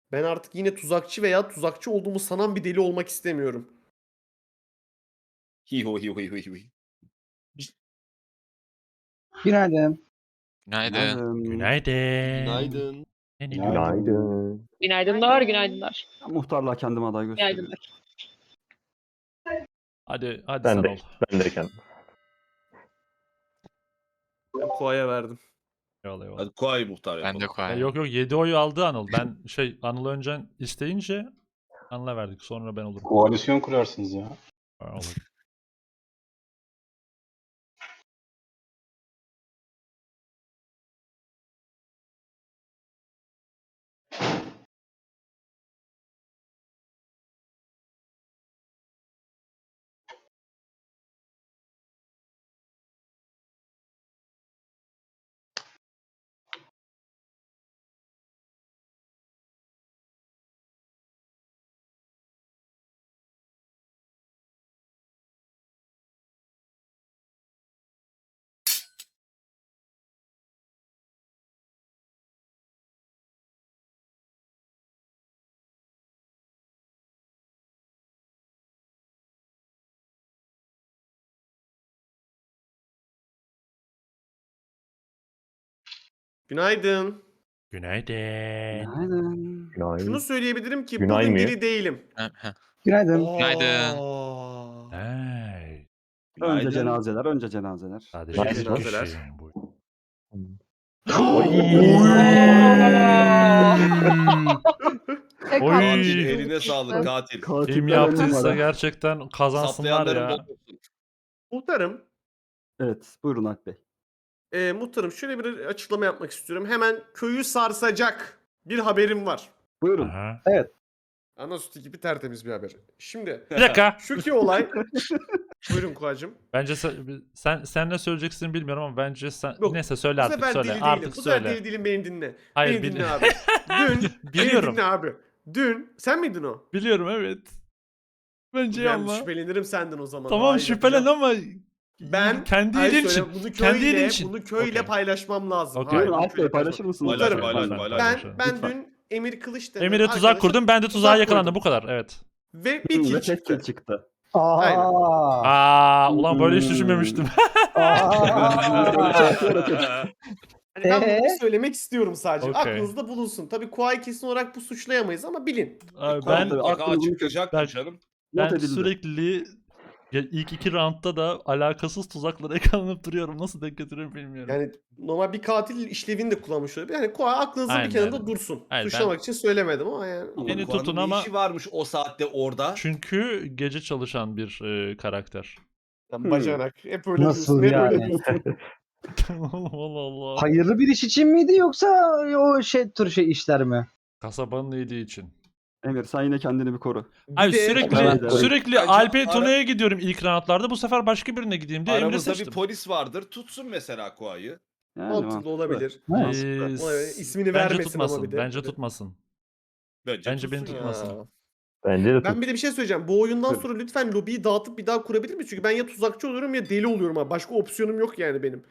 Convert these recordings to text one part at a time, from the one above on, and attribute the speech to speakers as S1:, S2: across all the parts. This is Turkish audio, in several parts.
S1: Ben artık yine tuzakçı veya tuzakçı olduğumu sanan bir deli olmak istemiyorum.
S2: Hiho hiho hiho hiho.
S3: Günaydın.
S4: Günaydın.
S5: Günaydın.
S2: Günaydın.
S6: Günaydın.
S7: Günaydınlar, günaydınlar.
S4: Ben muhtarlığa kendime aday gösteriyorum.
S7: Günaydınlar.
S5: Hadi sen
S6: Ben
S5: ol.
S6: de, ben de kendim.
S1: Ben Koa'ya verdim.
S5: Eyvallah eyvallah.
S2: Hadi Kuay muhtar
S4: Ben
S2: yapalım.
S4: de
S5: Ya
S4: koyayım.
S5: yok 7 oyu aldı Anıl. Ben Anıl önceden isteyince Anıl'a verdik. Sonra ben olurum.
S3: Koalisyon kurarsınız ya.
S5: Olur.
S1: Günaydın.
S5: Günaydın.
S4: Günaydın.
S6: Günaydın.
S1: Şunu söyleyebilirim ki
S6: Günay
S1: bugün
S6: mı?
S1: deli değilim.
S3: Günaydın.
S4: Günaydın.
S1: Aa.
S5: Hey.
S4: Önce
S2: Günaydın.
S4: cenazeler, önce cenazeler.
S5: Sadece
S1: Günaydın.
S5: bir
S1: Cenazeler.
S5: kişiyim bu. Oy.
S2: Katil eline sağlık katil.
S4: Katiller
S5: Kim
S4: ön
S5: yaptıysa
S4: numara.
S5: gerçekten kazansınlar
S2: Saplayanların
S5: ya.
S2: bok olsun.
S1: Muhtarım.
S4: Evet, buyurun Alp Bey.
S1: Muhtarım şöyle bir açıklama yapmak istiyorum. Hemen köyü sarsacak bir haberim var.
S4: Buyurun.
S5: Aha.
S1: Ana sütü gibi tertemiz bir haber. Şimdi
S5: Bir dakika.
S1: şu ki olay. Buyurun Kuacım.
S5: Bence sen ne söyleyeceksin bilmiyorum ama bence sen
S1: Yok,
S5: neyse söyle
S1: Bu
S5: artık
S1: sefer
S5: söyle.
S1: deli değilim.
S5: Artık
S1: Bu sefer
S5: söyle.
S1: deli değilim, beni dinle.
S5: Hayır,
S1: Beni dinle abi. Dün
S5: Biliyorum.
S1: Beni dinle abi. Dün sen miydin o?
S5: Biliyorum evet. Bence
S1: Ben
S5: ama.
S1: şüphelenirim senden o zaman.
S5: Tamam
S1: Hayır,
S5: şüphelen
S1: yapacağım.
S5: ama
S1: Ben
S5: kendi
S1: hayır,
S5: iyiliğin
S1: söyle,
S5: için.
S1: Bunu
S5: Kendi iyiliğin
S1: köyle,
S5: için.
S1: bunu köyle
S5: Okey.
S1: paylaşmam lazım.
S5: Okey.
S1: Hayır,
S4: Buyurun
S1: bunu
S4: Alp Bey
S1: köyle
S4: paylaşır mısınız?
S2: Paylaş,
S1: Muhtarım,
S2: paylaş,
S5: Lütfen,
S2: paylaş.
S1: Ben
S4: Lütfen.
S1: dün Emir Kılıç denen
S5: Emir'e tuzak
S1: arkadaşa
S5: kurdum. Ben de tuzağa
S1: tuzak
S5: yakalandım.
S1: koydum.
S5: Bu kadar. Evet.
S1: Ve bir kill
S4: Ve tek
S1: çıktı.
S4: kill çıktı.
S1: Aynen.
S5: Ulan böyle hiç düşünmemiştim.
S1: Hani ben bunu söylemek istiyorum sadece.
S5: Okey.
S1: Aklınızda bulunsun. Tabii Kuay kesin olarak bu suçlayamayız ama bilin.
S5: Abi
S2: Kuay
S5: ben
S4: tabii,
S2: mutlaka
S4: aklımızın
S2: açıklayacaktır
S5: ben-
S2: canım.
S4: Not
S5: ben
S4: edildi.
S5: sürekli ilk iki roundda da alakasız tuzaklara yakalanıp duruyorum. Nasıl denk getiriyorum bilmiyorum.
S1: Yani normal bir katil işlevini de kullanmış olabilir. Yani Kuay aklınızda
S5: Aynen,
S1: bir kenarda
S5: aynen.
S1: dursun.
S5: Hayır,
S1: Suçlamak için söylemedim ama yani.
S5: Beni
S2: Kuay'ın
S5: tutun
S2: ne
S5: ama-
S2: işi varmış o saatte orada?
S5: Çünkü gece çalışan bir karakter.
S1: Sen bacanak. Hep öyle
S3: Nasıl
S1: diyorsun. Hep öyle
S3: yani?
S1: diyorsun.
S5: Allah Allah.
S3: Hayırlı bir iş için miydi yoksa o tür işler mi?
S5: Kasabanın iyiliği için.
S4: Emir sen yine kendini bir koru.
S1: Bir
S5: Abi
S1: de-
S5: sürekli
S4: Evet.
S5: sürekli
S2: Bence
S5: Alp'e
S2: ara-
S5: Tuna'ya gidiyorum ilk roundlarda. Bu sefer başka birine gideyim diye Emre
S2: Aramızda
S5: seçtim.
S2: bir polis vardır. Tutsun mesela Kuay'ı.
S4: Yani
S1: Mantıklı olabilir.
S5: Ee,
S1: Olabilir. İsmini
S5: bence
S1: vermesin
S5: tutmasın.
S1: ama bir de.
S5: Bence tutmasın.
S2: Bence
S5: Bence beni
S2: tutsun ya.
S5: tutmasın.
S1: Ya.
S6: Bence de
S1: Ben bir de bir şey söyleyeceğim. Bu oyundan
S4: Buyurun.
S1: sonra lütfen lobiyi dağıtıp bir daha kurabilir miyiz? Çünkü ben ya tuzakçı oluyorum ya deli oluyorum abi. Başka opsiyonum yok yani benim.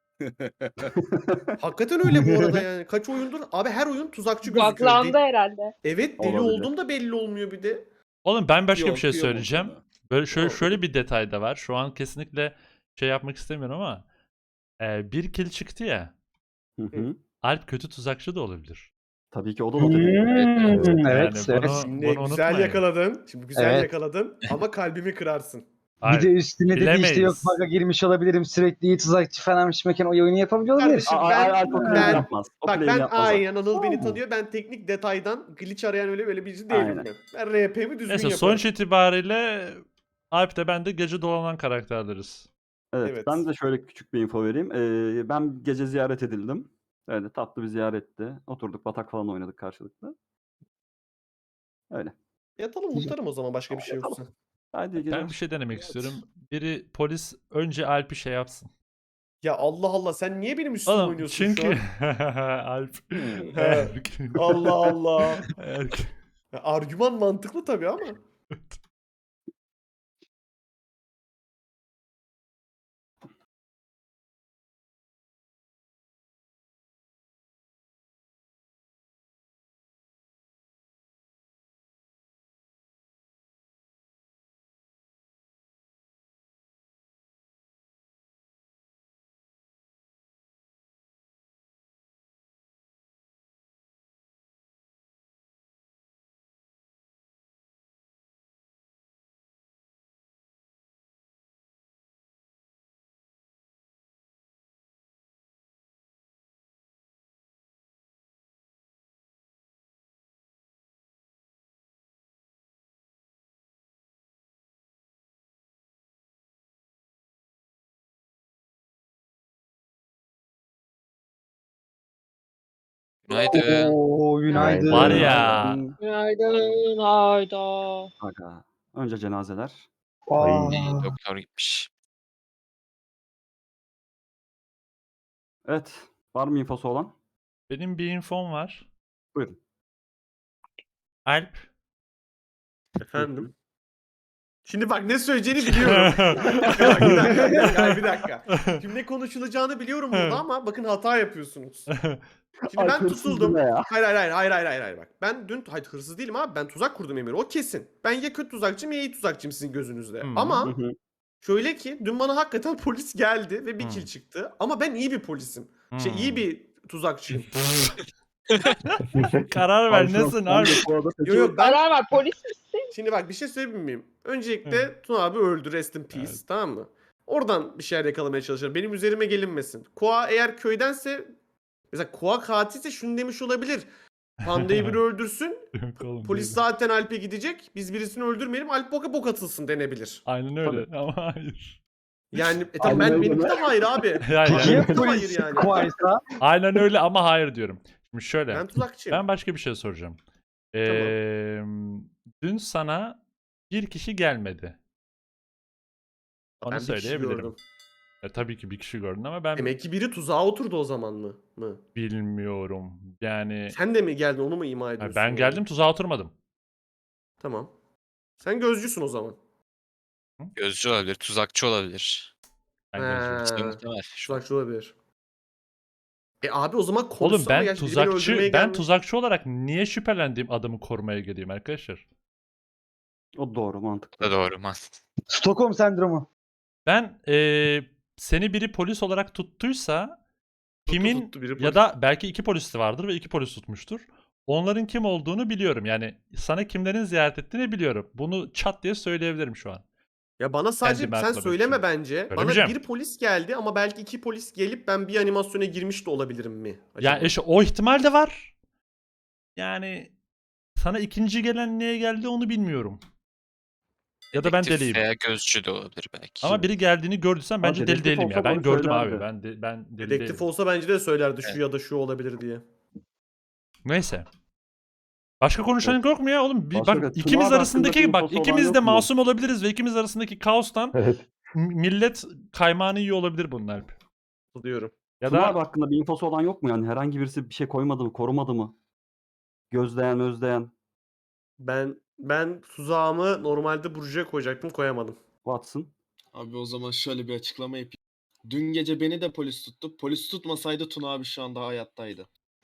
S1: Hakikaten öyle bu arada yani. Kaç oyundur? Abi her oyun tuzakçı gözüküyor.
S7: Buglandı herhalde.
S1: Evet deli
S4: Olabilir.
S1: olduğum da belli olmuyor bir de.
S5: Oğlum ben başka bir
S2: Yok,
S5: şey
S2: kıyamam
S5: söyleyeceğim.
S2: sana.
S5: Böyle şöyle
S1: Tamam.
S5: şöyle bir detay da var. Şu an kesinlikle şey yapmak istemiyorum ama bir kill çıktı ya.
S4: Hı hı.
S5: Alp kötü tuzakçı da olabilir.
S4: Tabii ki o da not edildi.
S3: Evet,
S5: Yani
S3: evet.
S1: Şimdi
S5: bunu
S1: güzel
S5: unutmayın.
S1: yakaladın. Şimdi güzel
S3: Evet.
S1: yakaladın ama kalbimi kırarsın.
S3: Bir de üstüne dedi işte yok
S5: bilemeyiz.
S3: bug'a girmiş olabilirim sürekli tuzakçı falan mekan o oyunu yapabiliyor olabilir.
S1: Kardeşim ben
S4: Alp o claim yapmaz. O
S1: bak
S4: claim
S1: ben
S4: yapmaz.
S1: aynen Anıl beni
S3: Tamam.
S1: tanıyor. Ben teknik detaydan glitch arayan öyle birisi değilim
S4: Aynen.
S1: ben. Ben RP'mi düzgün
S5: Neyse
S1: yaparım.
S5: sonuç itibariyle Alp de ben de gece dolanan karakterleriz.
S4: Evet,
S1: Evet.
S4: ben de şöyle küçük bir info vereyim. Ben gece ziyaret edildim. Öyle tatlı bir ziyaretti. Oturduk, batak falan oynadık karşılıklı. Öyle.
S1: Yatalım muhtarım o zaman başka bir şey
S4: Yatalım.
S1: yoksa.
S4: Hadi iyi geceler.
S5: Ben bir şey denemek
S1: Evet.
S5: istiyorum. Biri polis önce Alp'i şey yapsın.
S1: Ya Allah Allah sen niye benim üstüme
S5: Oğlum
S1: oynuyorsun
S5: çünkü
S1: şu an?
S5: Alp
S1: He. Allah Allah.
S5: eğer
S1: Ya, argüman mantıklı tabii ama.
S8: Günaydın.
S3: Oo, günaydın.
S5: Var ya.
S7: Günaydın. Hayda.
S4: Aga. Önce cenazeler.
S3: Aa,
S8: Doktor gitmiş.
S4: Evet. Var mı infosu olan?
S5: Benim bir infom var.
S4: Buyurun.
S5: Alp.
S1: Efendim. Şimdi bak ne söyleyeceğini biliyorum. Bak, bir dakika, bir dakika. Şimdi ne konuşulacağını biliyorum burada ama bakın hata yapıyorsunuz. Şimdi
S4: Ay,
S1: ben
S4: hırsız
S1: tutuldum.
S4: deme ya.
S1: Hayır bak. Ben dün hırsız değilim abi. Ben tuzak kurdum Emir. O kesin. Ben ya kötü tuzakçıyım ya iyi tuzakçıyım sizin gözünüzde.
S5: Hı.
S4: Hı
S1: Ama
S4: hı.
S1: şöyle ki dün bana hakikaten polis geldi ve bir
S5: Hı.
S1: kill çıktı. Ama ben iyi bir polisim. iyi
S5: Hmm.
S1: bir tuzakçıyım.
S5: Karar ver nesin abi?
S1: Yo, ben
S7: Karar ver, polis misin?
S1: şimdi bak bir şey söyleyebilir miyim? Öncelikle Tuna abi öldü, rest in peace,
S5: Evet.
S1: tamam mı? Oradan bir şeyler yakalamaya çalışırım. Benim üzerime gelinmesin. Koa eğer köydense, mesela Koa katilse şunu demiş olabilir. Panda'yı biri öldürsün.
S5: Yok oğlum,
S1: Polis
S5: değil.
S1: zaten Alp'e gidecek. Biz birisini öldürmeyelim. Alp bok atılsın denebilir.
S5: Aynen öyle ama hayır.
S1: Yani tamam,
S4: Aynen öyle
S1: benimki
S4: mi?
S1: de hayır abi.
S5: Yani,
S3: peki ya
S1: Hayır
S3: polis
S1: yani.
S3: Kuaysa?
S5: aynen öyle ama hayır diyorum. Şimdi şöyle.
S1: Ben tuzakçıyım.
S5: Ben başka bir şey soracağım.
S1: Tamam.
S5: Dün sana bir kişi gelmedi. Onu
S1: Ben bir kişi
S5: söyleyebilirim.
S1: gördüm.
S5: Tabii ki bir kişi gördün ama ben
S1: Demek ki biri tuzağa oturdu o zaman mı?
S5: bilmiyorum. Yani
S1: Sen de mi geldin, onu mu ima
S5: ha,
S1: ediyorsun?
S5: ben
S1: yani?
S5: geldim tuzağa oturmadım.
S1: Tamam. Sen gözcüsün o zaman.
S8: Gözcü olabilir, tuzakçı olabilir.
S5: Ben gözcüyüm.
S8: İşte
S1: Ha,
S8: muhtemel şu an.
S1: tuzakçı olabilir. Abi o zaman
S5: Oğlum
S1: konuşsana
S5: ben
S1: ya. Şimdi beni öldürmeye
S5: tuzakçı
S1: gelmiş.
S5: tuzakçı olarak niye şüphelendiğim adamı korumaya geleyim arkadaşlar?
S4: O doğru,
S8: Bu
S4: mantıklı.
S8: da doğru man.
S3: Stockholm sendromu.
S5: Ben seni biri polis olarak tuttuysa kimin
S1: tuttu biri
S5: ya
S1: polis.
S5: da belki iki polisi vardır ve iki polis tutmuştur. Onların kim olduğunu biliyorum. Yani sana kimlerin ziyaret ettiğini biliyorum. Bunu çat diye söyleyebilirim şu an.
S1: Ya bana sadece
S5: Kendimi
S1: sen
S5: atlamak
S1: söyleme
S5: için.
S1: bence. Bana
S5: Söylemeyeceğim.
S1: bir polis geldi ama belki iki polis gelip ben bir animasyona girmiş de olabilirim mi? Acaba?
S5: Yani işte o ihtimal de var. Yani sana ikinci gelen niye geldi onu bilmiyorum. Ya da ben
S8: Dedektif
S5: deliyim.
S8: veya gözcü de olabilir belki.
S5: Ama biri geldiğini gördüysem bence deli
S4: dedektif
S5: değilim ya.
S4: olsa
S5: Ben
S4: bunu
S5: gördüm abi.
S4: söylerdi.
S5: Ben deli
S1: Dedektif
S5: değilim.
S1: olsa bence de söylerdi şu
S8: Evet.
S1: ya da şu olabilir diye.
S5: Neyse. Başka konuşan yok mu ya oğlum?
S4: Başka-
S5: Bak
S4: Tuna
S5: ikimiz
S4: abi
S5: arasındaki
S4: hakkında
S5: bak
S4: infosu olan
S5: ikimiz
S4: yok
S5: de
S4: mu?
S5: masum olabiliriz ve ikimiz arasındaki kaostan
S6: Evet.
S5: millet kaymağını yiyor olabilir bunun Alp.
S1: Diyorum.
S5: Ya
S4: Tuna abi
S5: da
S4: hakkında bir infosu olan yok mu yani? Herhangi birisi bir şey koymadı mı, korumadı mı? Gözleyen.
S1: Ben tuzağımı normalde Burcu'ya koyacaktım, koyamadım.
S4: Watson.
S9: Abi o zaman şöyle bir açıklama yapayım. Dün gece beni de polis tuttu. Polis tutmasaydı Tuna abi şu anda hayattaydı.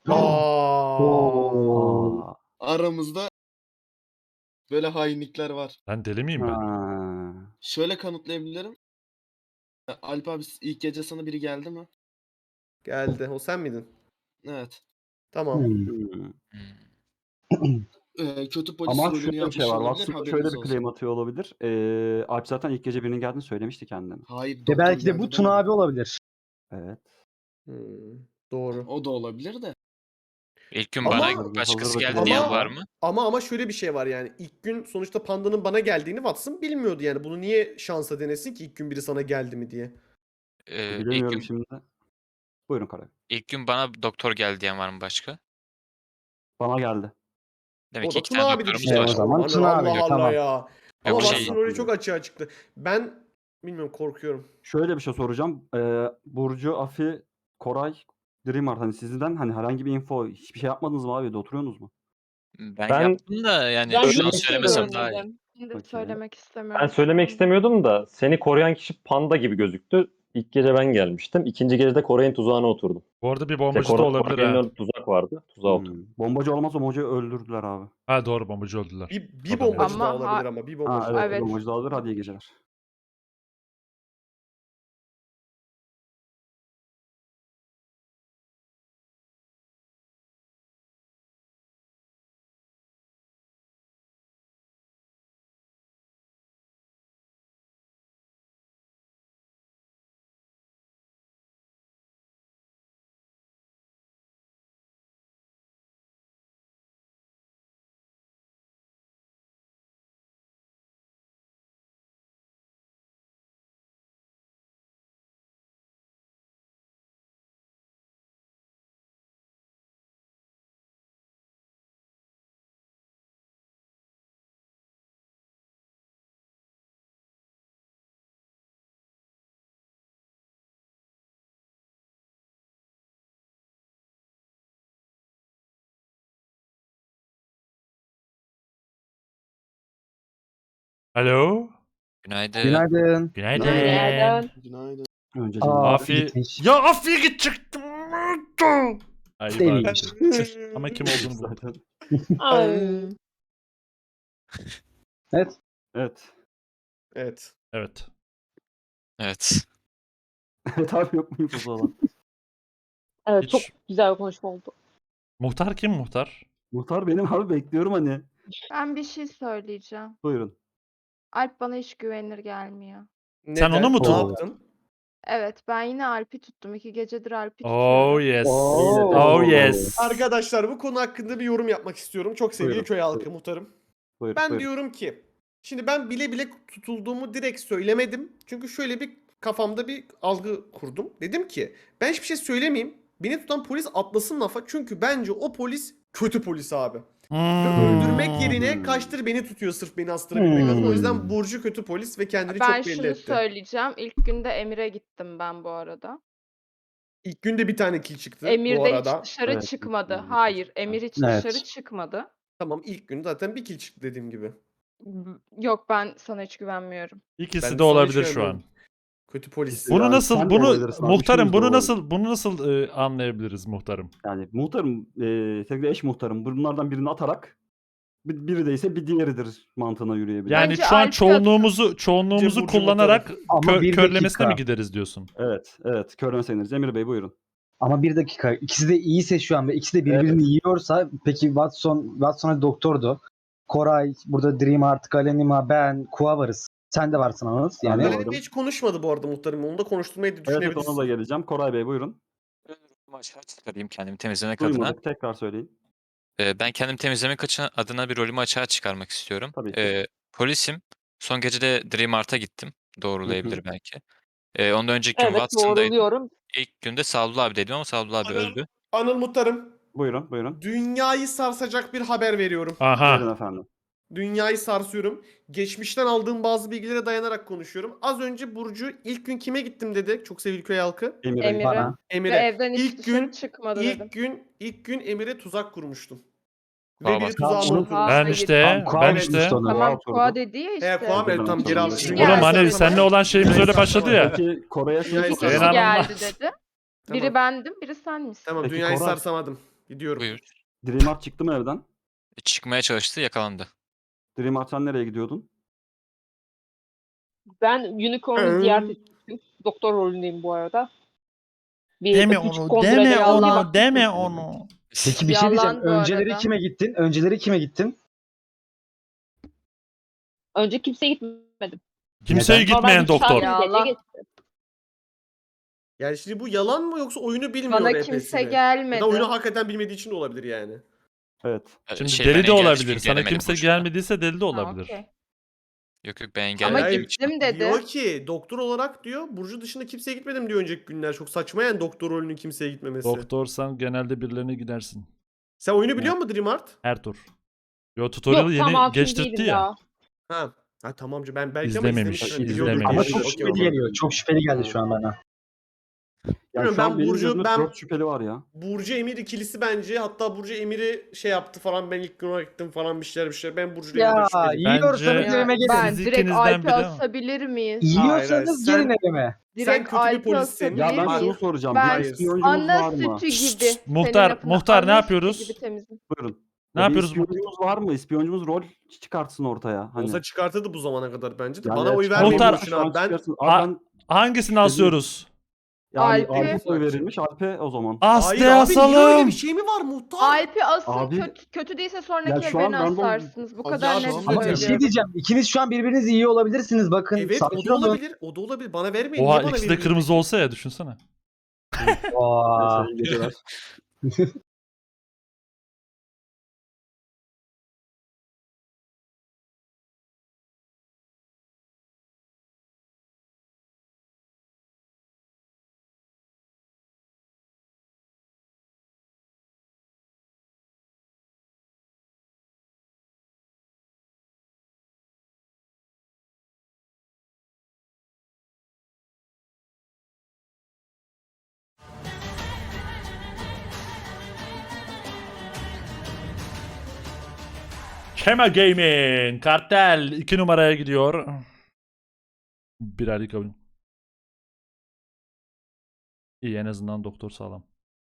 S4: Aa.
S9: Aramızda böyle hainlikler var.
S5: ben deli miyim ben?
S4: Ha.
S9: Şöyle kanıtlayabilirim. Alp abi ilk gece sana biri geldi mi?
S1: Geldi. O sen miydin?
S9: Evet.
S1: Tamam.
S4: Hmm.
S9: Kötü polis
S4: Ama
S9: rolünü
S4: şöyle bir
S9: yapmış
S4: şey var.
S9: olabilir,
S4: Watson şöyle
S9: haberiniz
S4: bir
S9: olsun.
S4: claim atıyor olabilir. Alp zaten ilk gece birinin geldiğini söylemişti kendine.
S9: Hayır,
S3: Ve
S9: doktor
S3: belki de
S9: geldi
S3: bu Tuna
S9: demedi.
S3: abi olabilir.
S4: Evet.
S1: Hmm, doğru.
S9: O da olabilir de.
S8: İlk gün
S1: Ama-
S8: bana başkası
S4: Hazırda
S8: geldi
S1: Ama-
S8: diyen var mı?
S1: Ama şöyle bir şey var yani. İlk gün sonuçta Panda'nın bana geldiğini Watson bilmiyordu yani. Bunu niye şansa denesin ki ilk gün biri sana geldi mi diye.
S8: İlk
S4: Bilemiyorum
S8: gün,
S4: şimdi. Buyurun Karay.
S8: ilk gün bana doktor geldi diyen var mı başka?
S4: Bana geldi.
S8: Demek
S1: O
S8: ki
S1: da
S8: iki
S1: Tuna
S8: tane
S1: abidir
S8: doktorumuz
S1: işte.
S3: o
S8: var.
S3: zaman
S1: Aman
S3: Tuna abi,
S1: Allah Allah
S3: tamam.
S1: ya. Ama
S8: Yok,
S1: Watson
S8: şey-
S1: öyle çok açığa çıktı. Ben bilmiyorum, korkuyorum.
S4: Şöyle bir şey soracağım. Burcu, Afi, Koray, Dreamer hani sizden hani herhangi bir info hiçbir şey yapmadınız mı abi? De oturuyorsunuz mu?
S8: Ben
S6: Ben-
S8: yaptım da yani
S7: Ben
S8: şu an
S6: Söylemek
S7: hiç
S8: söylemesem daha iyi.
S7: görmedim.
S10: Ben de
S4: Okey.
S10: söylemek
S6: Ben
S10: istemiyorum.
S6: söylemek istemiyordum da seni koruyan kişi panda gibi gözüktü. İlk gece ben gelmiştim. İkinci gecede Koray'ın tuzağına oturdum.
S5: Bu arada bir
S6: İşte
S5: bombacı da olabilir
S6: Koray'ın
S5: ha.
S6: önünde tuzak vardı. Tuzağa oturdum.
S4: Bombacı olmaz, bombacıyı öldürdüler abi.
S5: Ha doğru bombacı öldüler.
S1: Bir
S5: Adam
S1: bombacı
S10: Ama
S1: daha olabilir ama. Bir bombacı
S4: Ha
S1: daha
S4: evet,
S10: Evet.
S4: bombacı da alır. Hadi iyi geceler.
S5: Alo.
S8: Günaydın.
S3: Günaydın.
S5: Günaydın.
S7: Günaydın.
S9: Günaydın.
S4: Önce
S5: Afi.
S3: gitmiş.
S5: Ya Afi'ye gidecektim. Ay,
S3: İşte
S5: bari.
S3: iyiymiş.
S5: Ama kim olduğunu buldum.
S4: zaten.
S7: Ay.
S3: Evet.
S4: Evet.
S1: Evet.
S5: Evet.
S8: Evet.
S4: Evet abi yok muyuz o zaman?
S7: Evet
S5: Hiç-
S7: çok güzel bir konuşma oldu.
S5: Muhtar kim muhtar?
S4: Muhtar benim abi bekliyorum hani.
S10: Ben bir şey söyleyeceğim.
S4: Buyurun.
S10: Alp bana hiç güvenilir gelmiyor.
S5: Sen onu mu
S1: Ne
S5: tuttun?
S1: yaptın?
S10: Evet, ben yine Alp'i tuttum. 2 gecedir Alp'i
S5: Oh
S10: tutuyorum.
S5: yes.
S3: Oo.
S5: Oh yes.
S1: Arkadaşlar bu konu hakkında bir yorum yapmak istiyorum. Çok sevgili
S4: Buyurun,
S1: köy halkı
S4: buyurun.
S1: muhtarım.
S4: Buyurun.
S1: Ben
S4: buyurun.
S1: diyorum ki şimdi ben bile bile tutulduğumu direkt söylemedim. Çünkü şöyle bir kafamda bir algı kurdum. Dedim ki ben hiçbir şey söylemeyeyim. Beni tutan polis atlasın lafa. Çünkü bence o polis kötü polis abi. Öldürmek yerine kaçtır beni tutuyor sırf beni astırabilmek adına. O yüzden Burcu kötü polis ve kendini
S10: Ben
S1: çok belli
S10: şunu
S1: etti.
S10: söyleyeceğim. İlk günde Emir'e gittim ben bu arada.
S1: İlk günde bir tane kill çıktı
S10: Emir
S1: bu
S10: de
S1: arada.
S10: hiç dışarı
S4: Evet,
S10: çıkmadı.
S4: evet.
S10: Hayır, Emir hiç
S3: Evet.
S10: dışarı çıkmadı.
S1: Tamam ilk gün zaten bir kill çıktı dediğim gibi.
S10: Yok, ben sana hiç güvenmiyorum.
S5: İkisi
S1: Ben
S5: de
S1: sana
S5: olabilir
S1: hiç
S5: şu an.
S1: güvenmiyorum. Kötü polis.
S5: Bunu
S4: Yani
S5: nasıl
S4: sen de
S5: bunu
S4: olabilirsin abi,
S5: muhtarım
S4: üçümüz de
S5: bunu
S4: olabiliriz.
S5: nasıl anlayabiliriz muhtarım?
S4: Yani muhtarım, sevgili eş muhtarım bunlardan birini atarak biri değilse bir diğeridir mantığına yürüyebilir.
S5: Yani
S10: Bence
S5: şu an
S10: Alp'i
S5: çoğunluğumuzu
S1: Burcu
S5: kullanarak
S3: Ama bir
S5: körlemesine
S3: dakika.
S5: mi gideriz diyorsun?
S4: Evet, evet. Körleme sayılırız. Emir Bey buyurun.
S3: Ama bir dakika. İkisi de iyiyse şu an ve ikisi de birbirini yiyorsa peki Watson doktordu. Koray, burada Dream artık Alenima, ben, Kua varız. Sen de varsın Anıl.
S4: Ben
S3: Yani
S4: de
S1: Galeride hiç konuşmadı bu arada muhtarım. Onu da konuşturmayı
S4: Evet,
S1: düşünebilirsin.
S4: ona da geleceğim. Koray Bey buyurun.
S8: Aşağı çıkarayım kendimi temizlemek adına.
S4: Duymadık. Tekrar söyleyin.
S8: Ben kendimi temizlemek adına bir rolümü açığa çıkarmak istiyorum.
S4: Tabii ki.
S8: Polisim. Son gece de Dream Art'a gittim. Doğrulayabilir belki. Ondan önceki gün
S7: Evet
S8: Watson'daydım.
S7: doğruluyorum.
S8: İlk günde Sadullah abi dedim ama Sadullah abi öldü.
S1: Anıl muhtarım.
S4: Buyurun, buyurun.
S1: Dünyayı sarsacak bir haber veriyorum.
S4: Buyurun
S5: Aha.
S4: efendim.
S1: Dünyayı sarsıyorum. Geçmişten aldığım bazı bilgilere dayanarak konuşuyorum. Az önce Burcu ilk gün kime gittim dedi. Çok sevgili köy halkı.
S4: Emir Bey.
S10: Emir'e.
S3: bana.
S10: Ve
S1: Emir'e.
S10: evden hiç
S1: İlk
S10: dışarı
S1: gün
S10: çıkmadı dedim.
S1: ilk gün Emir'e tuzak kurmuştum. Ve
S8: Tamam.
S1: biri tuzağıma
S3: Tamam.
S1: oturmuş.
S5: Ben
S10: Hayır.
S5: işte
S3: Tam Kua
S5: ben
S1: evet.
S5: işte.
S3: işte onu.
S10: Tamam,
S4: oturdu.
S10: Kua dedi ya işte.
S1: Kuam evet tam geri aldım.
S10: Kişi
S1: Dünyayı
S5: Oğlum hani
S10: geldi.
S5: seninle olan şeyimiz öyle başladı ya.
S4: Peki Koray'a şunu
S1: Dünyayı
S10: Kişi
S4: soracağım.
S5: İnanılmaz.
S10: geldi dedi. Biri
S1: Tamam.
S10: bendim, biri sen misin?
S1: Tamam
S4: Peki,
S1: dünyayı
S4: Koray.
S1: sarsamadım. Gidiyorum.
S8: Buyur.
S4: Dreamart çıktı mı evden?
S8: Çıkmaya çalıştı, yakalandı.
S4: Dreamart sen nereye gidiyordun?
S7: Ben Unicorn'u ziyaret ettim. Doktor rolündeyim bu arada. Bir
S5: Deme
S7: küçük
S5: onu,
S7: kontrole
S5: deme
S7: geldi,
S5: onu,
S7: baktım.
S5: deme onu.
S3: Peki bir şey diyeceğim.
S10: Yalan bu
S3: Önceleri
S10: arada.
S3: kime gittin? Önceleri kime gittin?
S7: Önce kimseye gitmedim.
S5: Kimseye
S3: Neden?
S5: gitmeyen
S7: Normal bir
S5: doktor.
S7: gece
S10: Yalan.
S7: geçti.
S1: Yani şimdi bu yalan mı yoksa oyunu bilmiyor
S10: Bana
S1: RP'sini?
S10: kimse
S1: Ya
S10: gelmedi.
S1: da oyunu hakikaten bilmediği için de olabilir yani.
S4: Evet.
S5: Şimdi
S8: ben
S5: deli de
S8: engelledim,
S5: olabilir.
S8: çünkü
S5: Sana
S8: gelemedim
S5: kimse
S8: boşuna.
S5: gelmediyse deli de
S10: Ha,
S5: olabilir.
S10: okey.
S8: Yok ben
S10: Ama
S8: engelledim.
S10: gittim dedi.
S1: Diyor ki doktor olarak diyor Burcu dışında kimseye gitmedim diyor önceki günler. Çok saçma yani doktor rolünün kimseye gitmemesi.
S5: Doktorsan genelde birilerine gidersin.
S1: Sen oyunu biliyor musun Dreamart?
S5: Her tur. Yo tutorial'ı
S7: Yok tam
S5: yeni
S7: hakim
S5: geçtirtti
S7: değilim
S5: ya.
S7: daha.
S1: Ha. Ha tamamcı ben belki
S5: İzlememiş,
S1: ama izlemiştim.
S5: izlememiş.
S1: Biliyordum.
S3: Ama
S5: Okey,
S3: çok
S1: Okey,
S3: şüpheli
S1: okey.
S3: geliyor. Çok şüpheli geldi şu an bana.
S4: Yani
S1: Bilmiyorum,
S4: şu an
S1: ben
S4: benim
S1: Burcu-
S4: gözümde
S1: ben-
S4: 4 şüpheli var ya.
S1: Burcu Emir ikilisi bence. Hatta Burcu Emir'i şey yaptı falan. Ben ilk gün olarak gittim falan bir şeyler. Ben Burcu'yla
S3: Ya
S1: Emir'den şüpheliyim.
S3: yiyorsanız
S5: Bence-
S3: evime gelin.
S10: Ben
S5: Siz
S10: direkt
S5: ikinizden
S10: Alp'i
S5: biri ama.
S10: asabilir miyiz?
S3: Yiyorsanız
S1: Hayır,
S3: gelin evime.
S10: Direkt
S1: kötü bir
S10: Alp'i
S1: polissin.
S10: asabilir
S4: Ya ben
S10: miyiz?
S4: şunu soracağım.
S10: Ben-
S4: Bir ispiyoncumuz var
S10: Ana
S4: mı?
S10: sütü
S5: Şşt,
S10: gibi.
S5: muhtar,
S10: Senin lafına
S5: muhtar ne
S10: ana
S5: yapıyoruz?
S10: sütü gibi temizim.
S4: Buyurun.
S5: Ne
S4: Ya bir
S5: yapıyoruz?
S4: ispiyoncumuz var mı? İspiyoncumuz rol çıkartsın ortaya. Hani.
S1: Olsa çıkartırdı bu zamana kadar bence de.
S4: Yani
S1: Bana
S4: evet,
S1: oy
S4: çıkartsın,
S1: vermeyin
S5: Muhtar-
S1: boşuna.
S4: şu an
S1: Ben
S4: çıkarsın.
S5: A-
S4: Abi ben
S5: Hangisini asıyoruz?
S4: yani
S10: Alp'i-
S4: Alp'e oy verilmiş. Alp'e o zaman.
S5: As
S1: Hayır
S5: de
S1: abi niye öyle
S5: asalım.
S1: bir şey mi var muhtar?
S10: Alp'i asın,
S4: Abi-
S10: kötü değilse
S4: Ya
S10: sonraki
S4: şu
S10: el
S4: an
S10: beni
S4: random-
S10: asarsınız. Bu
S9: Abi
S10: kadar
S9: ya
S10: net
S9: şu an-
S3: Ama bir şey
S10: söylüyorum.
S3: diyeceğim. İkiniz şu an birbirinizi iyi olabilirsiniz. Bakın
S1: Evet o
S3: sakin
S1: da
S3: olun.
S1: olabilir. O da olabilir. Bana vermeyin.
S5: Oha
S1: Niye bana
S5: ikisi de
S1: veriyorsun?
S5: kırmızı olsa ya düşünsene.
S3: Aa.
S4: Neyse, iyi geceler.
S5: Kema Gaming. Kartel 2 numaraya gidiyor. Bir harika oyun. İyi, en azından doktor sağlam.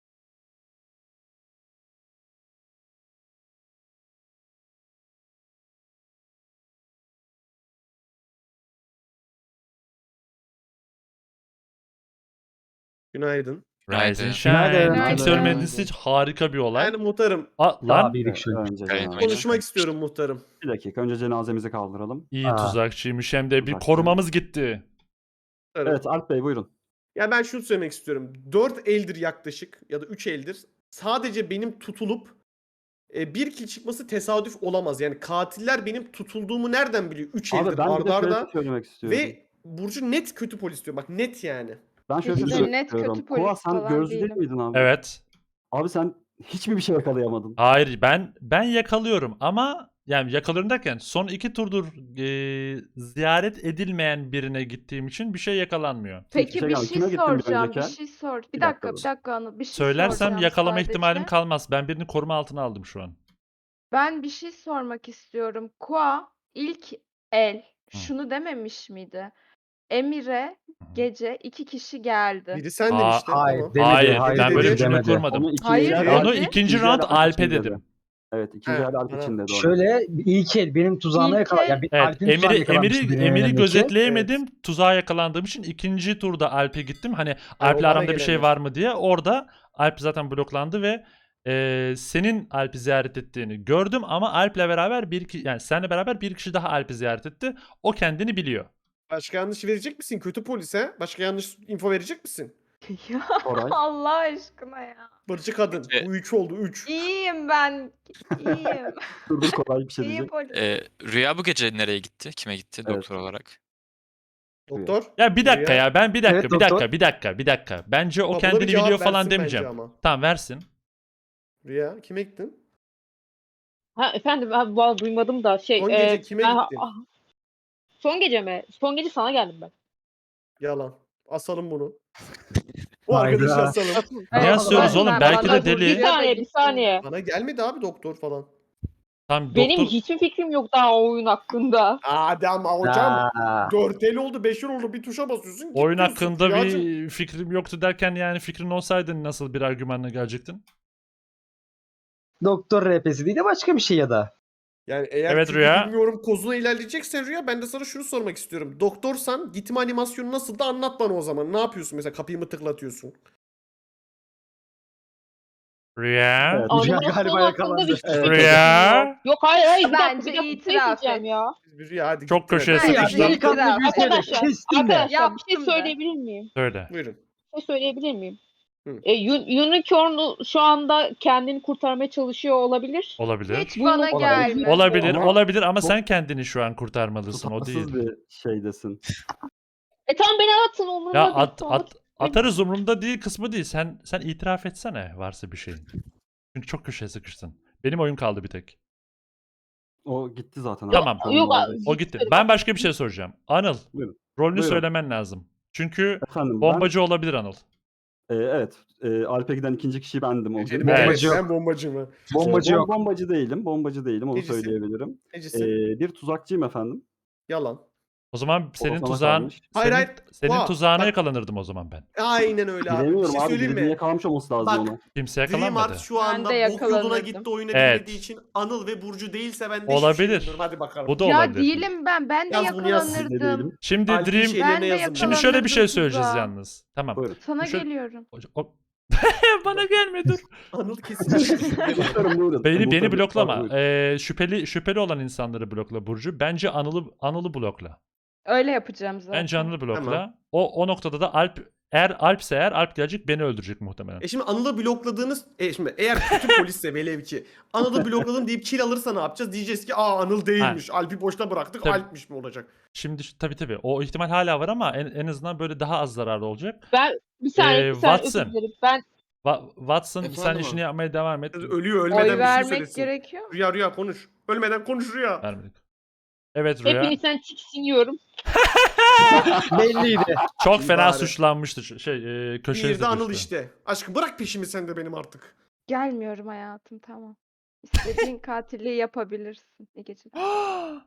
S1: Günaydın.
S5: Rise and
S8: Günaydın.
S5: Shine. Kimse
S10: Günaydın.
S5: ölmediyse hiç harika bir olay.
S1: Yani muhtarım.
S5: Lan
S3: Daha bir iki
S4: Önce
S8: Gayet
S4: cenaze.
S1: Konuşmak istiyorum muhtarım.
S4: Bir dakika önce cenazemizi kaldıralım.
S5: iyi
S3: Aa.
S5: tuzakçıymış, hem de bir
S4: Tuzakçı.
S5: korumamız gitti.
S1: Muhtarım.
S4: Evet Alp Bey buyurun.
S1: Ya ben şunu söylemek istiyorum. 4 eldir yaklaşık ya da 3 eldir. Sadece benim tutulup bir kill çıkması tesadüf olamaz. Yani katiller benim tutulduğumu nereden biliyor? 3
S4: Abi
S1: eldir
S4: ben bir de
S1: arda
S4: şöyle
S1: arda.
S4: bir şey söylemek istiyorum.
S1: Ve Burcu net kötü polis diyor. Bak net yani.
S4: Ben şöyle bir
S10: Hiç
S4: şey
S10: de
S4: söylemek
S10: net kötü
S4: istiyorum.
S10: polis
S4: Kua sen
S10: falan
S4: gözlü değil
S10: değilim.
S4: miydin abi?
S5: Evet.
S4: Abi sen hiç mi bir şey yakalayamadın?
S5: Hayır, ben yakalıyorum ama yani yakalıyorum derken son 2 turdur ziyaret edilmeyen birine gittiğim için bir şey yakalanmıyor.
S10: Peki
S4: şey
S10: bir
S4: gelmedi.
S10: şey
S4: Kime gittin bir
S10: soracağım. Bir
S4: önceki?
S10: şey sor.
S4: Bir
S10: Bir
S4: dakika
S10: dakika,
S4: dur.
S10: bir dakika Anıl. Bir şey
S5: Söylersem
S10: soracağım
S5: yakalama
S10: sadece.
S5: ihtimalim kalmaz. Ben birini koruma altına aldım şu an.
S10: Ben bir şey sormak istiyorum. Kua ilk el
S5: Hı.
S10: şunu dememiş miydi? Emir'e
S5: Hı hı.
S10: gece 2 kişi geldi.
S1: Biri sendin
S5: Aa,
S1: işte.
S3: hayır,
S1: Tamam.
S3: demedi,
S5: Hayır,
S3: hayır
S5: ben böyle bir
S1: dedi,
S5: cümle
S3: demedi.
S5: kurmadım.
S4: Onu ikinci
S10: Hayır,
S4: el-
S10: dedi.
S5: Onu
S10: İkinci
S5: ikinci
S4: el
S5: round
S4: Alp
S5: Alp'e
S4: için dedi.
S5: dedim.
S4: Evet ikinci
S1: He,
S4: el Alp
S1: bana-
S4: için dedi onu.
S3: Şöyle ilk el benim tuzağıma
S10: İlk
S3: yakala.
S10: el-
S3: Yani
S5: Evet,
S3: Alp'in tuzağına yakalanmıştı birinin
S5: Emir'i
S3: önündeki.
S5: gözetleyemedim. Tuzağa yakalandığım için ikinci turda Alp'e gittim. Hani Alp'le
S1: bana
S5: aramda bir şey
S1: gelenler.
S5: var mı diye. Orada Alp zaten bloklandı ve senin Alp'i ziyaret ettiğini gördüm ama Alp'le beraber yani seninle beraber bir kişi daha Alp'i ziyaret etti. O kendini biliyor.
S1: Başka yanlış verecek misin kötü polise? Başka yanlış info verecek misin?
S10: Ya
S4: Koray.
S10: Allah aşkına ya.
S1: Burcu kadın.
S8: Evet.
S1: Bu 3 oldu 3.
S10: İyiyim ben. İyiyim.
S4: Dur Koray bir şey
S10: İyi
S4: diyecek.
S10: polis.
S8: Rüya bu gece nereye gitti? Kime gitti
S4: Evet.
S8: doktor olarak?
S1: Doktor.
S5: Ya bir dakika
S1: Rüya.
S5: ya ben bir dakika
S3: Evet,
S5: bir
S3: doktor.
S5: dakika. Bence o
S1: Buna bir
S5: kendini
S1: cevap
S5: biliyor falan
S1: versin bence
S5: demeyeceğim.
S1: ama.
S5: Tamam, versin.
S1: Rüya kime gittin?
S7: Ha efendim ben vallahi duymadım da
S1: Son gece kime
S7: ben-
S1: gittin?
S7: Son gece mi? Son gece sana geldim ben.
S1: Yalan. Asalım bunu. Bu
S3: Hayda.
S1: arkadaşı asalım.
S5: Niye asıyoruz oğlum? Belki de deli.
S7: Bir saniye.
S1: Bana gelmedi abi doktor falan.
S5: Tamam,
S7: Benim
S5: doktor
S7: hiçbir fikrim yok daha o oyun hakkında.
S1: Hadi ama hocam.
S3: Aa,
S1: 4 el oldu 5 el oldu bir tuşa basıyorsun. git
S5: oyun
S1: diyorsun.
S5: hakkında
S1: Rüyacığım.
S5: bir fikrim yoktu derken yani fikrin olsaydı nasıl bir argümanla gelecektin?
S3: doktor RP'si değil de başka bir şey ya da.
S1: Yani eğer
S5: Evet,
S1: çünkü
S5: Rüya.
S1: bilmiyorum kozuna ilerleyeceksen Rüya ben de sana şunu sormak istiyorum. Doktorsan gitme animasyonu nasıl da anlat bana o zaman. Ne yapıyorsun mesela kapıyı mı tıklatıyorsun?
S5: Rüya.
S4: Evet.
S3: Rüya
S7: Animasyon
S3: galiba
S7: hakkında
S3: yakalandı.
S7: hiçbir fikrim
S5: Rüya.
S7: yok. Yok hayır bir dakika
S10: Bence
S7: bir dakika
S10: itiraf
S7: diyeceğim
S10: et.
S7: ya.
S1: Rüya hadi
S5: Çok
S1: gittin
S5: köşeye
S1: hadi.
S10: Bence
S5: sıkıştın.
S3: Delikanlı
S10: itiraf
S3: bir
S10: et.
S3: söyle.
S7: Arkadaşlar,
S3: Kestin de.
S7: Arkadaşlar bir şey
S10: Yaptım da.
S7: söyleyebilir miyim?
S5: Söyle.
S1: Buyurun.
S7: Bir şey söyleyebilir miyim?
S1: Hı.
S7: Unicorn şu anda kendini kurtarmaya çalışıyor olabilir.
S5: Olabilir.
S10: Hiç
S7: Bu
S10: bana
S7: olabilir.
S10: gelme.
S5: Olabilir,
S4: Ama
S5: olabilir ama
S4: çok
S5: sen kendini şu an kurtarmalısın, o değil.
S4: Tutarsız bir şeydesin.
S7: Tamam beni atın umurumda
S5: Ya
S7: değil. Tamam.
S5: atarız umurumda değil kısmı değil. Sen itiraf etsene varsa bir şeyin. Çünkü çok köşeye sıkıştın. Benim oyun kaldı bir tek.
S4: O gitti zaten. abi.
S5: Tamam.
S4: Onun
S7: Yok
S4: oradaydı.
S5: O gitti. Ben başka bir şey soracağım. Anıl,
S4: Buyurun.
S5: rolünü
S4: Buyurun.
S5: söylemen lazım. Çünkü
S4: Efendim
S5: bombacı olabilir Anıl.
S4: evet. Alp'e giden ikinci kişi bendim o gün.
S1: Ecelim,
S5: Evet.
S1: bombacı yok. Ben bombacıyım ha.
S3: Bombacı yok.
S4: Bombacı değilim. Bombacı değilim onu
S1: Necisin?
S4: söyleyebilirim.
S1: Necisin?
S4: Bir tuzakçıyım efendim.
S1: Yalan.
S5: O zaman senin
S4: sana
S5: tuzağın
S4: kalmış.
S1: Hayır,
S5: senin,
S1: hayır.
S5: senin
S1: Vah,
S5: tuzağına
S1: bak.
S5: yakalanırdım o zaman ben.
S1: Aynen öyle abi. Bir
S4: Bilemiyorum
S1: şey
S4: abi.
S1: söyleyeyim
S4: Birinin
S1: mi?
S4: yakalamış olması lazım
S1: Bak,
S4: ona.
S5: Kimse
S1: Dream
S5: yakalanmadı.
S1: Art şu
S10: Ben
S1: anda
S10: de
S1: bok yoluna
S10: yakalanırdım.
S1: gitti oyunu
S5: Evet.
S1: bilmediği için Anıl ve Burcu değilse ben de hiçbir
S5: Olabilir.
S1: şey bilmiyorum. Hadi bakalım.
S5: Bu da
S10: Ya
S5: olabilir.
S10: değilim ben. Ben de
S1: Yaz bunu, yaz.
S4: Siz de
S10: yakalanırdım.
S4: değilim.
S5: Şimdi
S1: Alp'in
S5: Dream
S1: şeylerine
S10: Ben de
S1: yazın.
S5: Şimdi şöyle bir şey
S10: Yakalanırdım
S5: söyleyeceğiz
S10: tuzağa.
S5: yalnız. Tamam.
S4: Buyurun.
S10: Sana
S5: Şöyle-
S10: geliyorum.
S5: Bana gelme dur.
S1: Anıl kesin.
S4: Muhtarım buyurun.
S5: Beni
S4: Muhtarım,
S5: bloklama.
S4: buyurun.
S5: Şüpheli olan insanları blokla Burcu. Bence Anıl'ı blokla.
S10: Öyle yapacağım zaten.
S5: Bence Anıl'ı blokla.
S1: Tamam.
S5: O noktada da Alp'se Alp gelecek beni öldürecek muhtemelen.
S1: Şimdi Anıl'ı blokladığınız şimdi eğer kötü polisse velev ki Anıl'ı blokladım deyip kill alırsa ne yapacağız? Diyeceğiz ki Anıl değilmiş. Alp'i boşta bıraktık.
S5: Tabii.
S1: Alp'miş mi olacak?
S5: Şimdi tabii o ihtimal hala var ama en azından böyle daha az zararlı olacak.
S7: Ben bir saniye, bir saniye
S5: Watson.
S7: özür dilerim. Ben
S5: Watson sen
S9: Efendim
S5: işini
S9: abi?
S5: yapmaya devam et.
S1: Ölüyor ölmeden
S10: Oy
S1: bir şey
S10: vermek
S1: söylesin.
S10: gerekiyor mu?
S1: Rüya konuş. Ölmeden konuş Rüya.
S5: Vermedik. Evet Rüya.
S7: hepinizden tiksiniyorum.
S3: Belliydi.
S5: Çok fena
S1: Bari.
S5: suçlanmıştı. Köşeye
S1: Bir de Anıl
S5: sıkıştı.
S1: işte. Aşkım bırak peşimi sen de benim artık.
S10: Gelmiyorum hayatım tamam. İstediğin katilliği yapabilirsin. İyi geceler.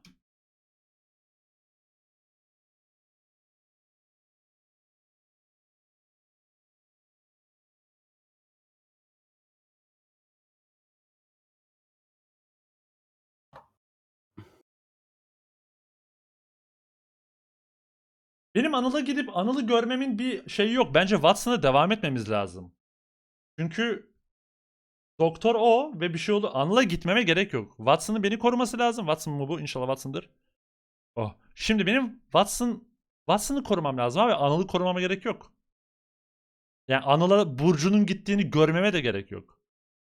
S5: Benim Anıl'a gidip Anıl'ı görmemin bir şeyi yok. Bence Watson'a devam etmemiz lazım. Çünkü doktor o ve bir şey oldu. Anıl'a gitmeme gerek yok. Watson'ın beni koruması lazım. Watson mu bu? İnşallah Watson'dır. Oh. Şimdi benim Watson'ı korumam lazım abi. Anıl'ı korumama gerek yok. Yani Anıl'a Burcu'nun gittiğini görmeme de gerek yok.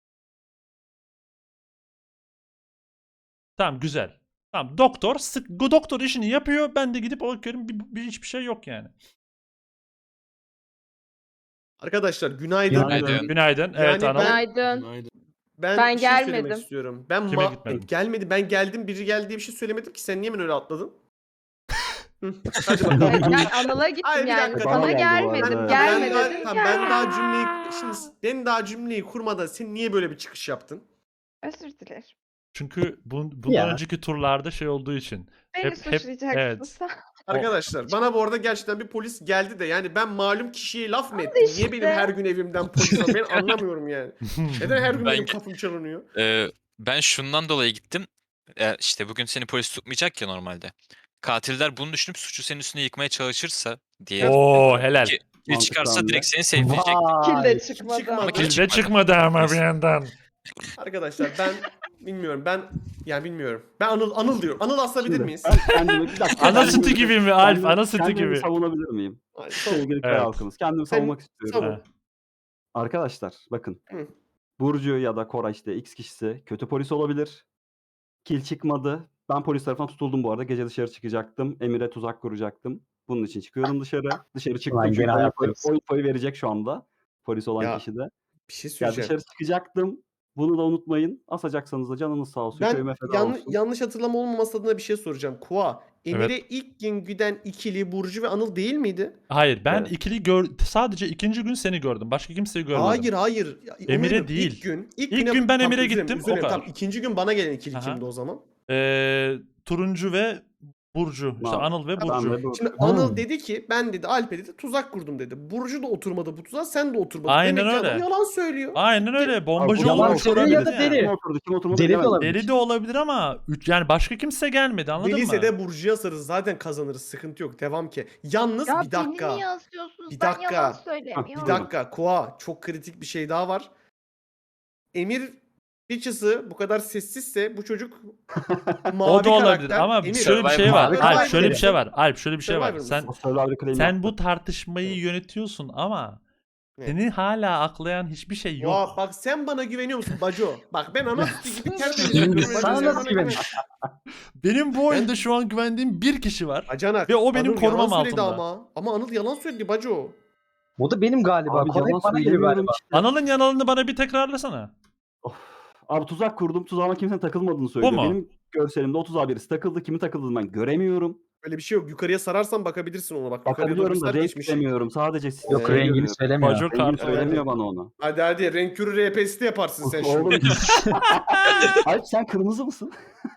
S5: Tamam güzel. Tamam doktor işini yapıyor. Ben de gidip bakıyorum hiçbir şey yok yani.
S1: Arkadaşlar günaydın.
S8: Günaydın.
S5: Günaydın. Evet
S1: Yani
S5: Anıl.
S10: Günaydın.
S9: Günaydın.
S10: Ben
S1: bir şey söylemek
S10: gelmedim.
S1: istiyorum. Ben
S5: Kime gitmedin?
S1: gelmedi. Ben geldim. Biri geldi diye bir şey söylemedim ki. Sen niye hemen öyle atladın? Hı, hadi bakalım.
S10: Hayır, ben Anıl'a
S1: Ay,
S10: gittim
S1: bir
S10: yani.
S1: dakika,
S10: Sana
S4: bana geldi bu
S10: gelmedim.
S4: arada.
S10: Gelme
S1: ben,
S10: dedim.
S1: tamam, ben daha cümleyi şimdi ben daha cümleyi kurmadan sen niye böyle bir çıkış yaptın?
S10: Özür dilerim.
S5: Çünkü bundan
S3: Ya.
S5: önceki turlarda şey olduğu için.
S10: Beni
S5: Hep-
S10: suçlayacaksın
S5: evet.
S10: sen.
S1: Arkadaşlar bana bu arada gerçekten bir polis geldi de yani ben malum kişiye laf mı
S10: Hadi
S1: ettim? Niye
S10: işte.
S1: benim her gün evimden polis var? Ben anlamıyorum yani. Neden her gün
S8: Ben-
S1: benim kapım çalınıyor?
S8: Ben şundan dolayı gittim. İşte bugün seni polis tutmayacak ya normalde. Katiller bunu düşünüp suçu senin üstüne yıkmaya çalışırsa diye.
S5: Oo helal.
S8: Ki kil çıkarsa
S4: Mantıklı
S8: direkt
S4: hamle.
S8: seni sevdirecek.
S10: Kil
S3: Vay.
S10: de çıkmadı.
S1: Çıkmadı.
S10: ama.
S8: Kil
S5: Bizde çıkmadı ama bir yandan.
S1: Arkadaşlar ben bilmiyorum. Bilmiyorum. Ben Anıl diyorum. Anıl asabilir
S4: Şimdi,
S1: miyiz?
S4: ben kendimi bir dakika.
S5: Ana
S4: kendimi-
S5: sütü gibi mi Alp?
S4: kendimi-
S5: Ana sütü
S4: kendimi
S5: gibi.
S4: savunabilir miyim?
S1: Ay,
S4: Sevgili köy
S5: Evet.
S4: halkımız. Kendimi
S1: Sen-
S4: savunmak istiyorum.
S1: savun.
S5: Ha.
S4: Arkadaşlar bakın.
S1: Hı.
S4: Burcu ya da Koray işte X kişisi kötü polis olabilir. Kil çıkmadı. Ben polis tarafından tutuldum bu arada. Gece dışarı çıkacaktım. Emir'e tuzak kuracaktım. Bunun için çıkıyorum dışarı. Dışarı çıktım
S3: Ulan
S4: çünkü
S3: gene ayaktayız.
S4: o infoyu verecek şu anda. Polis olan
S1: Ya,
S4: kişi de.
S1: Bir şey
S4: Ya
S1: söyleyeceğim.
S4: dışarı çıkacaktım. Bunu da unutmayın. Asacaksanız da canınız sağ olsun.
S1: Ben
S4: Köyüme feda olsun.
S1: yanlış hatırlama olmaması adına bir şey soracağım. Kua, Emir'e ilk gün güden ikili Burcu ve Anıl değil miydi?
S5: Hayır ben
S4: Evet.
S5: sadece ikinci gün seni gördüm. Başka kimseyi görmedim.
S1: Hayır. Ya,
S5: Emir'e
S1: Emir'im,
S5: değil.
S1: İlk
S5: İlk
S1: güne-
S5: gün ben
S1: Tamam,
S5: Emir'e
S1: üzülme,
S5: gittim, o
S1: üzülme.
S5: kadar.
S1: Tamam, ikinci gün bana gelen ikili
S5: Aha.
S1: kimdi o zaman?
S5: Turuncu ve Burcu. İşte
S4: Tamam.
S5: Anıl ve
S4: Ben
S5: Burcu.
S4: de bu-
S1: Şimdi Anıl dedi ki ben dedi Alp'e dedi tuzak kurdum dedi. Burcu da oturmadı bu tuzağa, sen de oturmadın.
S5: Aynen
S1: Demek ki
S5: öyle.
S1: adam yalan söylüyor.
S5: Aynen öyle. Bombacı
S4: Abi,
S3: yalan
S5: olmuş
S3: söylüyor
S5: olabilir
S3: ya da
S5: yani.
S3: deli.
S4: Kim oturdu kim oturmadı
S3: Deli de
S4: bilemedim.
S3: olabilir.
S5: Deli de olabilir ama yani başka kimse gelmedi anladın
S1: Deliyse
S5: mı?
S1: de Burcu'ya sarız zaten kazanırız, sıkıntı yok, devam ki. Yalnız
S10: Ya
S1: bir dakika.
S10: beni niye asıyorsunuz?
S1: Bir
S10: Ben
S1: dakika.
S10: yalan
S1: Bir
S10: söylemiyorum.
S1: dakika Koa, çok kritik bir şey daha var. Emir Bitches'ı bu kadar sessizse bu çocuk mavi
S5: O da olabilir
S1: karakter.
S5: ama
S1: Emir,
S5: şöyle bir şey var.
S1: Survivor
S5: Alp
S1: mısın?
S5: şöyle bir şey var. Alp şöyle bir şey var.
S1: Survivor
S5: Sen
S1: mısın?
S4: O Survivor claim
S5: sen
S4: yaptı.
S5: bu tartışmayı yönetiyorsun ama
S1: Ne?
S5: seni hala aklayan hiçbir şey yok.
S1: Koa, bak sen bana güveniyor musun Baco? Bak ben ana sütü gibi tertemiz yapıyorum.
S3: Sana
S1: Sen
S3: nasıl
S1: bana
S3: güven?
S5: Benim bu oyunda şu an güvendiğim bir kişi var.
S1: Bacanak.
S5: Ve o benim
S1: Anıl
S5: korumam
S1: yalan söyledi
S5: altında.
S1: Ama Anıl yalan söyledi Baco.
S3: O da benim galiba.
S4: Abi
S3: Koray
S4: yalan
S3: bana geliyor
S4: söylemiyorum
S3: galiba.
S4: işte.
S5: Anıl'ın yanalını bana bir tekrarlasana.
S4: Abi tuzak kurdum. Tuzağıma kimsenin takılmadığını söylüyor.
S5: mu?
S4: Benim görselimde o tuzağa birisi takıldı. Kimi takıldığını ben göremiyorum.
S1: Öyle bir şey yok. Yukarıya sararsan bakabilirsin ona bak. Yukarıya doğru
S4: Bakabiliyorum da
S1: sar
S4: renk
S1: geçmiş.
S4: göremiyorum. Sadece sizi
S3: Yok
S1: Rengini
S3: rengini söylemiyor.
S5: Baco
S4: Rengini
S5: kart.
S4: söylemiyor bana onu.
S1: Hadi renk körü RP'si de yaparsın sen
S4: Oğlum.
S1: şimdi.
S4: Alp sen kırmızı mısın?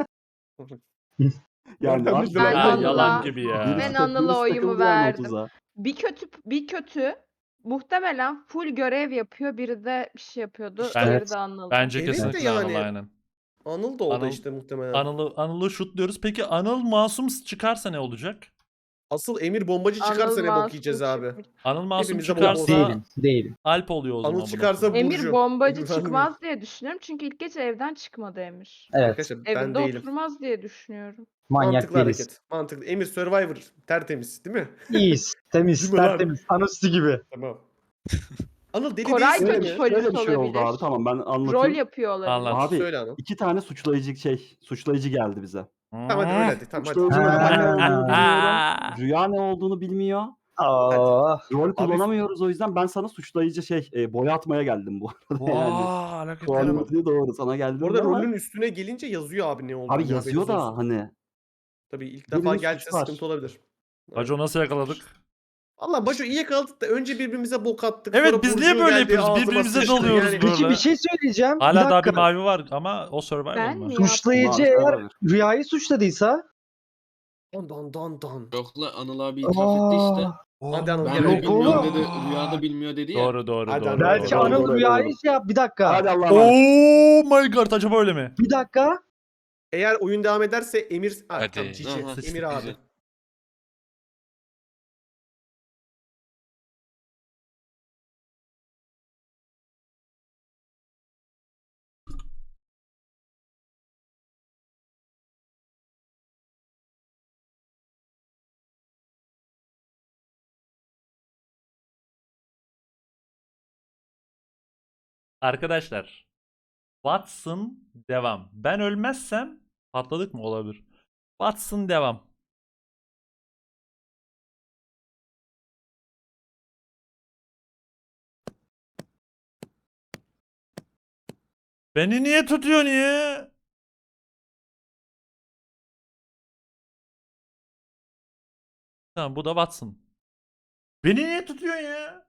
S4: yani
S1: Ben
S4: abi,
S10: Ben
S5: Ya,
S10: Anıl'a-
S5: yalan gibi ya.
S10: Ben
S4: birisi
S10: Anıl'a
S4: birisi
S10: oyumu
S4: takıldı yani o
S10: verdim.
S4: tuzağa.
S10: Bir kötü muhtemelen full görev yapıyor. Biri de bir şey yapıyordu.
S5: Ben-
S10: Diğeri de Anıl'dı.
S5: Bence
S1: Evet de
S5: kesinlikle
S1: yani.
S5: Anıl aynen.
S1: Anıl da o da
S5: Anıl-
S1: işte muhtemelen.
S5: Anıl'ı şutluyoruz. Peki Anıl masum çıkarsa ne olacak?
S1: Asıl Emir bombacı çıkarsa
S10: Anıl
S1: ne bok
S10: masum
S1: yiyeceğiz abi.
S10: çıkmış.
S5: Anıl masum
S1: Hepimize
S5: çıkarsa
S3: Değilim.
S5: Alp oluyor o zaman.
S1: Anıl
S5: buna.
S1: çıkarsa
S10: Emir
S1: Burcu.
S10: bombacı
S1: Emir vermiyor.
S10: çıkmaz diye düşünüyorum. Çünkü ilk gece evden çıkmadı Emir.
S3: Evet.
S1: Arkadaşlar ben
S10: Evinde
S1: değilim.
S10: oturmaz diye düşünüyorum.
S3: Manyak
S1: Mantıklı
S3: değiliz.
S1: hareket. Mantıklı. Emir Survivor tertemiz değil mi?
S3: İyiyiz. Temiz.
S1: Değil mi lan?
S3: Tertemiz. Anuslu gibi.
S1: Tamam. Anıl deli
S10: Koray
S1: değilsin
S10: kötü
S1: mi?
S10: polis
S4: Şöyle bir şey oldu
S10: olabilir.
S4: abi. Tamam ben
S10: Rol
S4: anlatayım.
S10: yapıyor olabilir.
S5: Anlat.
S4: Abi
S1: Söyle Anıl.
S4: 2 tane suçlayıcı geldi bize.
S1: Tamam hadi öyle hadi. Tamam hadi.
S4: Suçlayıcı
S3: Ha.
S4: ne olduğunu bilmiyorum.
S5: Aa.
S4: Rüya ne olduğunu bilmiyor.
S3: Aa,
S4: Rol kullanamıyoruz o yüzden ben sana suçlayıcı boya atmaya geldim bu arada yani.
S5: Vaa, hareketlere bak.
S4: Kuantifi doğru sana geldim
S1: Bu arada
S4: ama
S1: rolün üstüne gelince yazıyor abi ne olduğunu.
S4: abi
S1: haberiniz
S4: yazıyor da
S1: olsun.
S4: hani
S1: Tabii ilk
S4: birinin
S1: defa
S4: suçu
S1: gelse
S4: var.
S1: sıkıntı olabilir.
S5: Baco nasıl yakaladık?
S1: Allah Başo iyi yakaladık da önce birbirimize bok attık.
S5: Evet,
S1: sonra
S5: biz niye
S1: Burcu
S5: böyle
S1: geldi,
S5: yapıyoruz?
S1: ağzıma
S5: Birbirimize
S1: sıçtı.
S5: dalıyoruz
S1: Yani-
S5: böyle.
S3: Peki bir şey söyleyeceğim.
S5: Hala
S3: bir
S5: daha
S3: dakika.
S5: bir mavi var ama o Survivor
S10: Ben
S5: mı?
S10: mi
S3: Suçlayıcı
S4: Mavi
S3: eğer
S4: olabilir.
S3: Rüya'yı suçladıysa
S1: Dan.
S9: Yok lan Anıl abi itiraf etti işte.
S1: Hadi Anıl
S9: Ben
S1: gel.
S9: de
S3: yok
S9: bilmiyorum
S3: oğlum.
S9: dedi. Rüyada bilmiyor dedi ya.
S5: Doğru.
S1: Hadi
S5: doğru.
S1: Anıl,
S3: belki
S1: doğru,
S3: Anıl
S1: doğru,
S3: Rüya'yı şey yap. Bir dakika.
S4: Hadi Allah'a emanet.
S5: Oh my god, acaba öyle mi?
S3: Bir dakika.
S1: Eğer oyun devam ederse Emir... Ah,
S8: Hadi.
S1: tamam, Cici.
S9: Aha.
S1: Emir abi.
S5: Arkadaşlar. Watson devam. Ben ölmezsem patladık mı olabilir. Watson devam. Beni niye tutuyor niye? Tamam, bu da Watson. Beni niye tutuyor ya?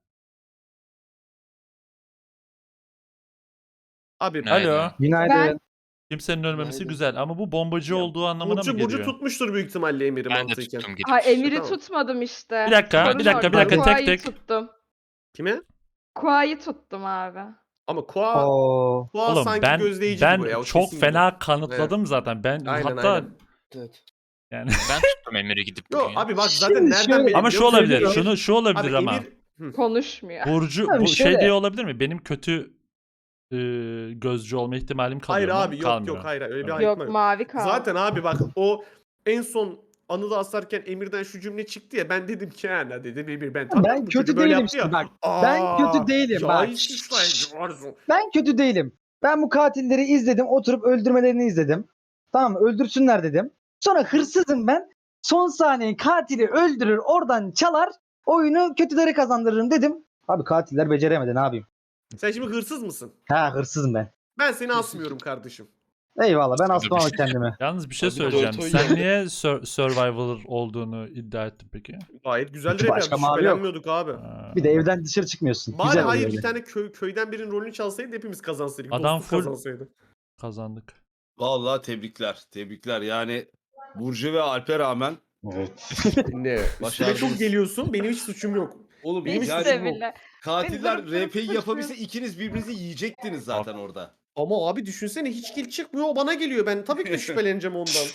S1: Abi
S8: Günaydın.
S5: Alo.
S3: Günaydın.
S10: Ben-
S5: Kimsenin ölmemesi
S9: Günaydın.
S5: güzel ama bu bombacı olduğu anlamına mı
S1: Burcu
S5: geliyor?
S1: tutmuştur büyük ihtimalle Emir'i
S8: Ben de
S1: mantıken.
S8: tuttum gidip.
S10: Ha Emir'i
S1: Tamam.
S10: tutmadım işte.
S5: Bir dakika,
S10: Sorun
S5: bir dakika,
S10: orada.
S5: bir dakika, tek
S10: Kuay'ı
S5: tek.
S10: tuttum.
S1: Kime?
S10: Kuay'ı tuttum abi.
S1: Ama Koa
S3: Oo.
S1: sanki
S5: Oğlum
S1: gözleyici bu ya.
S5: ben
S1: o
S5: çok
S1: kesin gibi.
S5: fena kanıtladım zaten. Ben
S1: Aynen,
S5: hatta
S1: aynen.
S9: Evet.
S5: yani
S8: Ben tuttum Emir'i gidip
S1: Yo
S8: bugün.
S1: abi bak zaten
S3: Şimdi
S1: nereden
S3: şöyle-
S1: belli
S5: ama
S1: biliyor
S5: şu
S1: musun?
S5: olabilir.
S1: Emir-
S5: Şu olabilir
S1: Abi
S5: ama.
S1: Emir...
S10: Konuşmuyor.
S5: Burcu
S3: Abi
S5: bu şey
S3: şöyle-
S5: diye olabilir mi? Benim kötü gözcü olma ihtimalim kalıyor
S1: Hayır
S5: mu?
S1: abi yok
S5: Kalmıyor.
S1: yok hayır öyle bir
S5: Tamam.
S1: ayıkma
S10: Yok
S1: yok.
S10: mavi kaldı.
S1: Zaten abi bak o en son Anıl'ı asarken Emir'den şu cümle çıktı ya ben dedim ki yani dedim Emir ben tanıyorum
S3: Ben
S1: bu çocuğu
S3: kötü
S1: böyle
S3: değilim
S1: yaptı ya.
S3: işte bak. Ben kötü değilim
S1: ya
S3: bak.
S1: hiç suçlayıcı varsın.
S3: Ben kötü değilim. Ben bu katilleri izledim. Oturup öldürmelerini izledim. Tamam mı? Öldürsünler dedim. Sonra hırsızım ben. Son saniye katili öldürür, oradan çalar. Oyunu kötülere kazandırırım dedim. Abi katiller beceremedi, ne yapayım?
S1: Sen şimdi hırsız mısın?
S3: Ha, hırsızım ben.
S1: Ben seni asmıyorum kardeşim.
S3: Eyvallah, ben
S8: Dur,
S3: asmam
S8: bir şey
S3: kendimi.
S5: Yalnız bir şey
S9: Hadi
S5: söyleyeceğim.
S9: Dorto'yu
S5: Sen
S9: yedim.
S5: niye Survivor olduğunu iddia ettin peki?
S1: Gayet güzel
S3: Çünkü
S1: rap
S3: başka
S1: yapmış.
S3: mavi yok.
S1: Şüphelenmiyorduk abi.
S3: Bir de evden dışarı çıkmıyorsun.
S1: Bari
S3: Güzel
S1: hayır
S3: oluyor
S1: bir
S3: öyle.
S1: tane köyden birinin rolünü çalsaydı hepimiz kazansaydık.
S5: Adam
S1: Dostluk
S5: full-
S1: kazansaydı.
S5: Kazandık.
S2: Vallahi tebrikler. Yani Burcu ve Alp'e rağmen
S1: Ne? Üstüme
S2: Başardınız.
S1: çok geliyorsun benim hiç suçum yok.
S2: oğlum
S1: Benim
S10: Hiç
S2: yani
S10: de bile.
S2: katiller
S10: Beni durup
S2: RP'yi
S10: durup
S2: yapabilse ikiniz birbirinizi yiyecektiniz zaten orada.
S1: Ama abi düşünsene hiç kill çıkmıyor o bana geliyor. Ben tabii ki de şüpheleneceğim ondan.